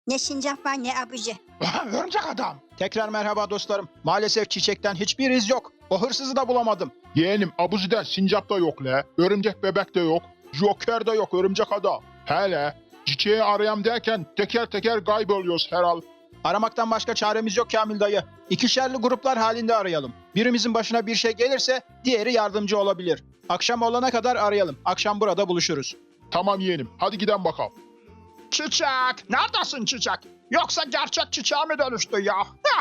Ne sincap var ne abici. Örümcek adam. Tekrar merhaba dostlarım. Maalesef çiçekten hiçbir iz yok. O hırsızı da bulamadım. Yeğenim Abuzi'de sincap da yok le. Örümcek bebek de yok. Joker de yok örümcek adam. Hele çiçeği arayam derken teker teker kayboluyoruz herhal. Aramaktan başka çaremiz yok Kamil dayı. İkişerli gruplar halinde arayalım. Birimizin başına bir şey gelirse diğeri yardımcı olabilir. Akşam olana kadar arayalım. Akşam burada buluşuruz. Tamam yeğenim hadi gidelim bakalım. Çiçek. Neredesin çiçek? Yoksa gerçek çiçeğe mi dönüştü ya?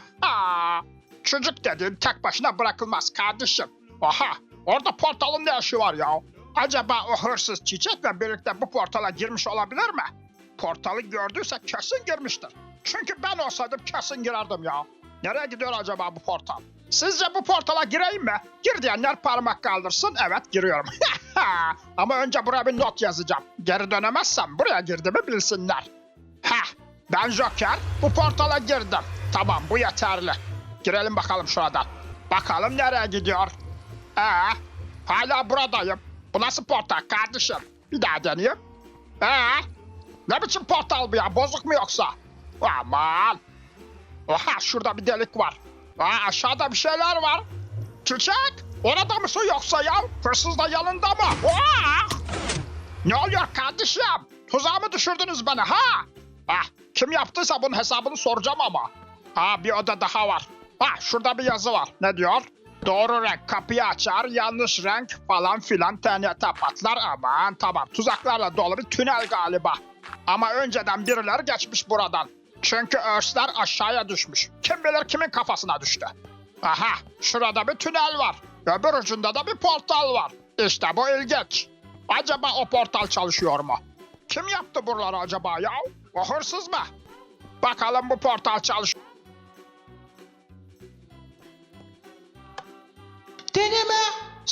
Çocuk dediğin tek başına bırakılmaz kardeşim. Aha, orada portalın ne işi var ya? Acaba o hırsız çiçekle birlikte bu portala girmiş olabilir mi? Portalı gördüyse kesin girmiştir. Çünkü ben olsaydım kesin girerdim ya. Nereye gidiyor acaba bu portal? Sizce bu portala gireyim mi? Gir diyenler parmak kaldırsın. Evet, giriyorum. Ama önce buraya bir not yazacağım. Geri dönemezsem buraya girdiğimi bilsinler. Ben Joker. Bu portala girdim. Tamam, bu yeterli. Girelim bakalım şuradan. Bakalım nereye gidiyor? Hala buradayım. Bu nasıl portal kardeşim? Bir daha deneyeyim. Ne biçim portal bu ya? Bozuk mu yoksa? Aman. Oha, şurada bir delik var. Aşağıda bir şeyler var. Çiçek, orada mısın yoksa ya? Hırsız da yanında mı? Ne oluyor kardeşim? Tuzağa mı düşürdünüz beni ha? Kim yaptıysa bunun hesabını soracağım ama. Bir oda daha var. Şurada bir yazı var. Ne diyor? Doğru renk kapıyı açar, yanlış renk falan filan TNT patlar. Aman tamam, tuzaklarla dolu bir tünel galiba. Ama önceden birileri geçmiş buradan. Çünkü örsler aşağıya düşmüş. Kim bilir kimin kafasına düştü. Aha, şurada bir tünel var. Öbür ucunda da bir portal var. İşte bu ilginç. Acaba o portal çalışıyor mu? Kim yaptı buraları acaba ya? O hırsız mı? Bakalım bu portal çalışıyor. Deneme,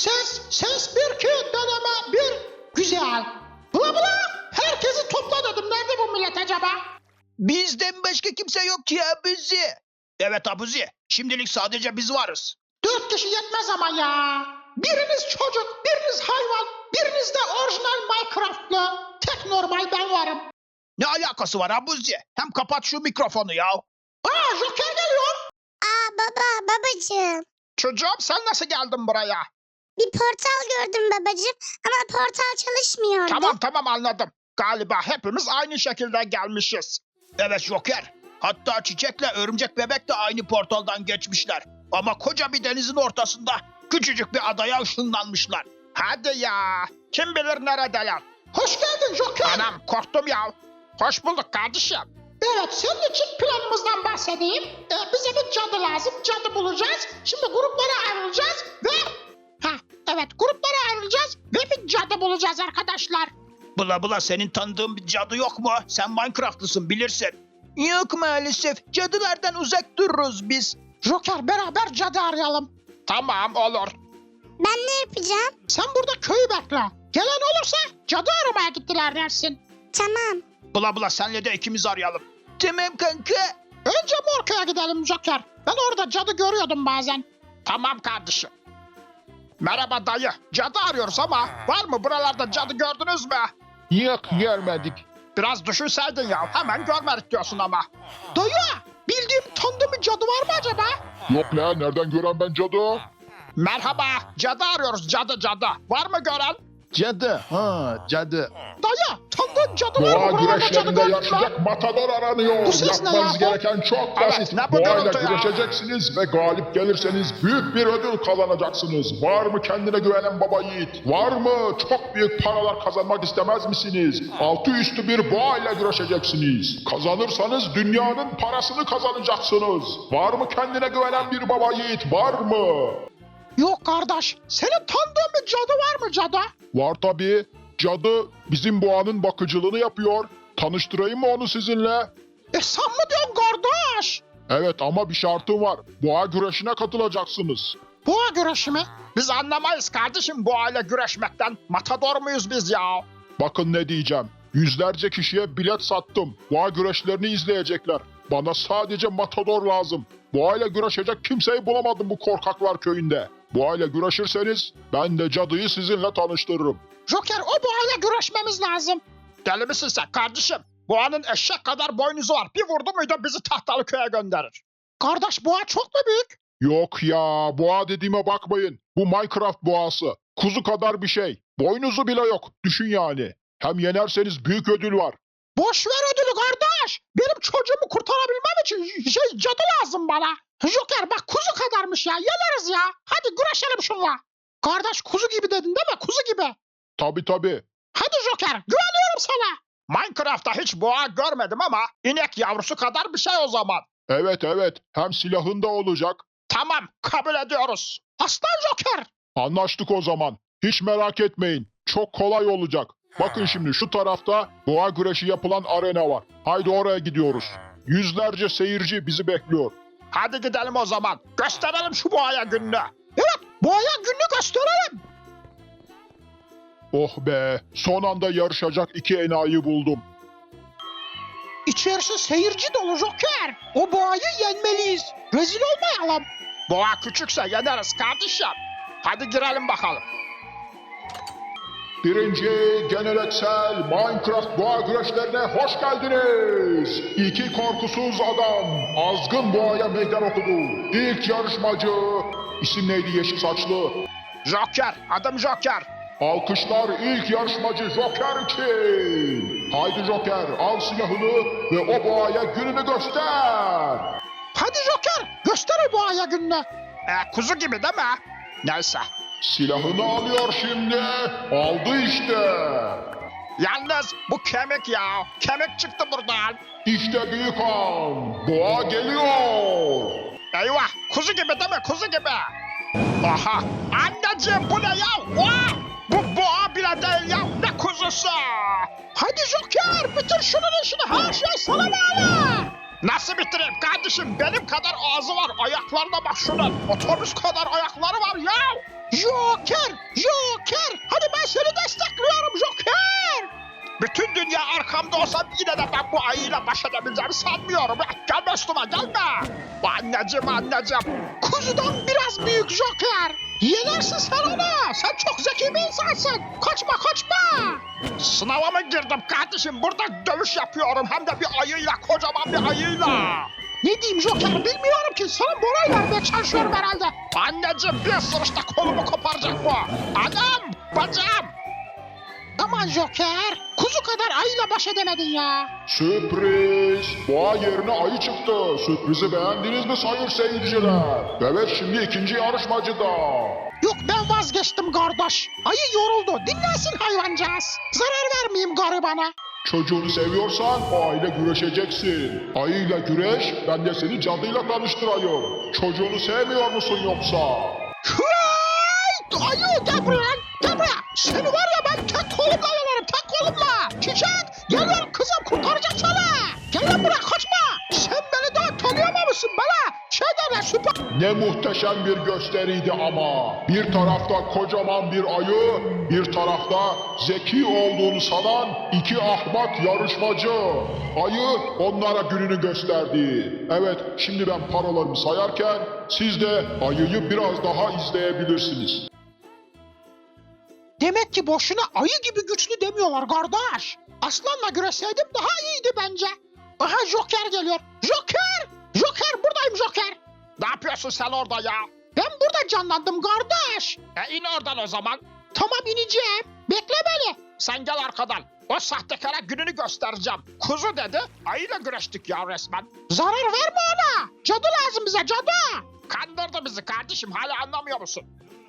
ses bir iki, deneme bir. Güzel. Bula bula, herkesi topla dedim. Nerede bu millet acaba? Bizden başka kimse yok ki Abuzi. Evet Abuzi. Şimdilik sadece biz varız. 4 kişi yetmez ama ya. Biriniz çocuk, biriniz hayvan, biriniz de orijinal Minecraft'lı. Tek normal ben varım. Ne alakası var Abuzi? Hem kapat şu mikrofonu ya. Joker geliyor. Babacığım. Çocuğum, sen nasıl geldin buraya? Bir portal gördüm babacığım ama portal çalışmıyordu. Tamam anladım. Galiba hepimiz aynı şekilde gelmişiz. Evet Joker. Hatta Çiçek'le Örümcek Bebek de aynı portaldan geçmişler. Ama koca bir denizin ortasında küçücük bir adaya ışınlanmışlar. Hadi ya. Kim bilir neredeler? Hoş geldin Joker. Anam, korktum ya. Hoş bulduk kardeşim. Evet, senin için planımızdan bahsedeyim. Bize bir cadı lazım, cadı bulacağız. Şimdi gruplara ayrılacağız ve... gruplara ayrılacağız ve bir cadı bulacağız arkadaşlar. Bula senin tanıdığın bir cadı yok mu? Sen Minecraft'lısın bilirsin. Yok maalesef. Cadılardan uzak dururuz biz. Joker, beraber cadı arayalım. Tamam, olur. Ben ne yapacağım? Sen burada köyü bekle. Gelen olursa cadı aramaya gittiler dersin. Tamam. Bula senle de ikimiz arayalım. Tamam kanka. Önce Morka'ya gidelim Joker. Ben orada cadı görüyordum bazen. Tamam kardeşim. Merhaba dayı. Cadı arıyoruz ama var mı buralarda cadı gördünüz mü? Yok görmedik. Biraz düşünseydin ya. Hemen görmedik diyorsun ama. Dayı, bildiğim tanıdığım bir cadı var mı acaba? Yok la nereden gören ben cadı? Merhaba. Cadı arıyoruz. Cadı. Var mı gören? Cadı cadı. Dayı, tanıdığın cadı var Boğa mı? Buralarda cadı güreşlerinde gördün mü? yarışacak matador aranıyor. Bu ses ne Yapmanız ya? gereken çok Evet, basit. ne bu Boğayla gürültü ya? güreşeceksiniz ve galip gelirseniz büyük bir ödül kazanacaksınız. Var mı kendine güvenen baba yiğit? Var mı çok büyük paralar kazanmak istemez misiniz? Altı üstü bir boğayla güreşeceksiniz. Kazanırsanız dünyanın parasını kazanacaksınız. Var mı kendine güvenen bir baba yiğit? Var mı? Yok kardeş, senin tanıdığın bir cadı var mı cadı? Var tabii. Cadı bizim boğanın bakıcılığını yapıyor. Tanıştırayım mı onu sizinle? Sen mi diyorsun kardeş? Evet ama bir şartım var. Boğa güreşine katılacaksınız. Boğa güreşi mi? Biz anlamayız kardeşim bu aile güreşmekten. Matador muyuz biz ya? Bakın ne diyeceğim. Yüzlerce kişiye bilet sattım. Boğa güreşlerini izleyecekler. Bana sadece matador lazım. Boğayla güreşecek kimseyi bulamadım bu korkaklar köyünde. Boğayla güreşirseniz ben de cadıyı sizinle tanıştırırım. Joker, o boğayla güreşmemiz lazım. Deli misin sen kardeşim? Boğanın eşek kadar boynuzu var. Bir vurdu muydu bizi Tahtalıköy'e gönderir. Kardeş boğa çok mu büyük? Yok ya, boğa dediğime bakmayın. Bu Minecraft boğası. Kuzu kadar bir şey. Boynuzu bile yok. Düşün yani. Hem yenerseniz büyük ödül var. Boş ver ödülü kardeş. Benim çocuğumu kurtarabilmem için cadı lazım bana. Joker bak kuzu kadarmış ya. Yeneriz ya. Hadi güreşelim şunla. Kardeş kuzu gibi dedin değil mi? Kuzu gibi. Tabii. Hadi Joker güveniyorum sana. Minecraft'ta hiç boğa görmedim ama inek yavrusu kadar bir şey o zaman. Evet. Hem silahın da olacak. Tamam, kabul ediyoruz. Aslan Joker. Anlaştık o zaman. Hiç merak etmeyin. Çok kolay olacak. Bakın şimdi şu tarafta boğa güreşi yapılan arena var. Haydi oraya gidiyoruz. Yüzlerce seyirci bizi bekliyor. Hadi gidelim o zaman. Gösterelim şu boğaya gününü. Boğaya günlük gösterelim. Oh be, son anda yarışacak iki enayi buldum. İçerisi seyirci dolu Joker. O boğayı yenmeliyiz. Rezil olmayalım. Boğa küçükse yeneriz kardeşim. Hadi girelim bakalım. Birinci geleneksel Minecraft boğa güreşlerine hoş geldiniz. İki korkusuz adam azgın boğaya meydan okudu. İlk yarışmacı, isim neydi yeşil saçlı? Joker, adım Joker. Alkışlar ilk yarışmacı Joker için. Haydi Joker, al silahını ve o boğaya gününü göster. Hadi Joker göster o boğaya gününü. Kuzu gibi değil mi? Neyse. Silahını alıyor şimdi. Aldı işte. Yalnız bu kemik ya. Kemik çıktı buradan. İşte büyük an. Boğa geliyor. Eyvah, kuzu gibi değil mi? Kuzu gibi. Aha, anneciğim bu ne ya? Vah! Bu boğa bile değil ya. Ne kuzusu? Hadi Joker bitir şunun işini. Her şey sana bağlı. Nasıl bitireyim kardeşim? Benim kadar ağzı var. Ayaklarına bak şunun. Otobüs kadar ayakları var ya. Joker! Hadi ben seni destekliyorum Joker! Bütün dünya arkamda olsa yine de ben bu ayıyla baş edebileceğimi sanmıyorum. Gelme üstüme gelme. Anneciğim. Kuzudan biraz büyük Joker! Yenersin sen onu! Sen çok zeki bir insansın! Kaçma! Sınava mı girdim kardeşim? Burada dövüş yapıyorum. Hem de bir ayıyla, kocaman bir ayıyla. Ne diyeyim Joker bilmiyorum ki. Sana moral vermeye çalışıyorum herhalde. Anneciğim bir ısırışta kolumu koparacak bu. Anam, bacım. Aman Joker! Kuzu kadar ayıyla baş edemedin ya. Sürpriz! Boğa yerine ayı çıktı. Sürprizi beğendiniz mi sayın seyirciler? Evet şimdi ikinci yarışmacı da. Yok ben vazgeçtim kardeş. Ayı yoruldu. Dinlensin hayvancağız. Zarar vermeyeyim garibana. Çocuğunu seviyorsan o ayıyla güreşeceksin. Ayıyla güreş, ben de seni cadıyla tanıştırayım. Çocuğunu sevmiyor musun yoksa? Hıay! Ayı gel buraya. Seni var ya ben tek kolumla yenerim. Tek kolumla. Çiçek geliyorum kızım kurtaracağım seni. Gel lan buraya kaçma. Sen beni daha tanıyamamışsın bana. Derler süper. Ne muhteşem bir gösteriydi ama. Bir tarafta kocaman bir ayı, bir tarafta zeki olduğunu sanan iki ahmak yarışmacı. Ayı onlara gününü gösterdi. Evet, şimdi ben paralarımı sayarken siz de ayıyı biraz daha izleyebilirsiniz. Demek ki boşuna ayı gibi güçlü demiyorlar kardeş. Aslanla güreşseydim daha iyiydi bence. Aha Joker geliyor. Joker buradayım Joker. Ne yapıyorsun sen orada ya? Ben burada canlandım kardeş. İn oradan o zaman. Tamam ineceğim. Bekle beni. Sen gel arkadan. O sahtekara gününü göstereceğim. Kuzu dedi, ayıyla güreştik ya resmen. Zarar verme ona. Cadı lazım bize cadı. Kandırdı bizi kardeşim, hala anlamıyor musun?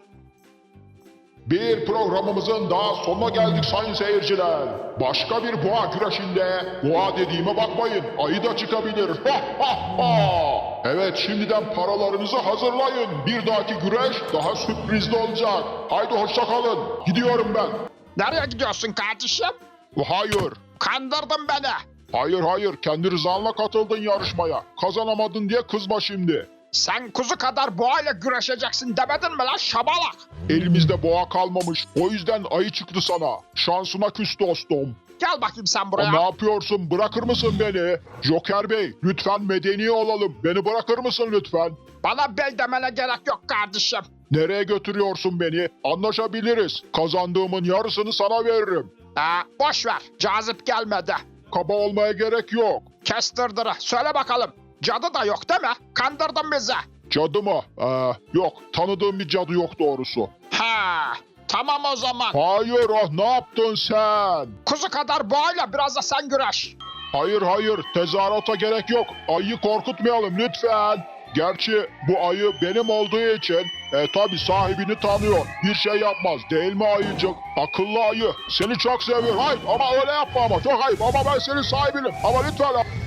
Bir programımızın daha sonuna geldik sayın seyirciler. Başka bir boğa güreşinde, boğa dediğime bakmayın, ayı da çıkabilir. Evet, şimdiden paralarınızı hazırlayın. Bir dahaki güreş daha sürprizli olacak. Haydi hoşça kalın. Gidiyorum ben. Nereye gidiyorsun kardeşim? Hayır. Kandırdın beni. Hayır. Kendi rızanla katıldın yarışmaya. Kazanamadın diye kızma şimdi. Sen kuzu kadar boğayla güreşeceksin demedin mi lan şabalak? Elimizde boğa kalmamış. O yüzden ayı çıktı sana. Şansına küs dostum. Gel bakayım sen Ne buraya. yapıyorsun? Bırakır mısın beni? Joker Bey, lütfen medeni olalım. Beni bırakır mısın lütfen? Bana bey demene gerek yok kardeşim. Nereye götürüyorsun beni? Anlaşabiliriz. Kazandığımın yarısını sana veririm. Boş ver, cazip gelmedi. Kaba olmaya gerek yok. Kestirdir'i. Söyle bakalım. Cadı da yok değil mi? Kandırdın bizi. Cadı mı? Yok. Tanıdığım bir cadı yok doğrusu. Ha, tamam o zaman. Hayır, ne yaptın sen? Kuzu kadar boğayla biraz da sen güreş. Hayır, tezahürata gerek yok. Ayıyı korkutmayalım lütfen. Gerçi bu ayı benim olduğu için tabi sahibini tanıyor. Bir şey yapmaz değil mi ayıcık? Akıllı ayı. Seni çok seviyorum. Hayır ama öyle yapma ama. Çok ayıp ama ben senin sahibinim. Ama lütfen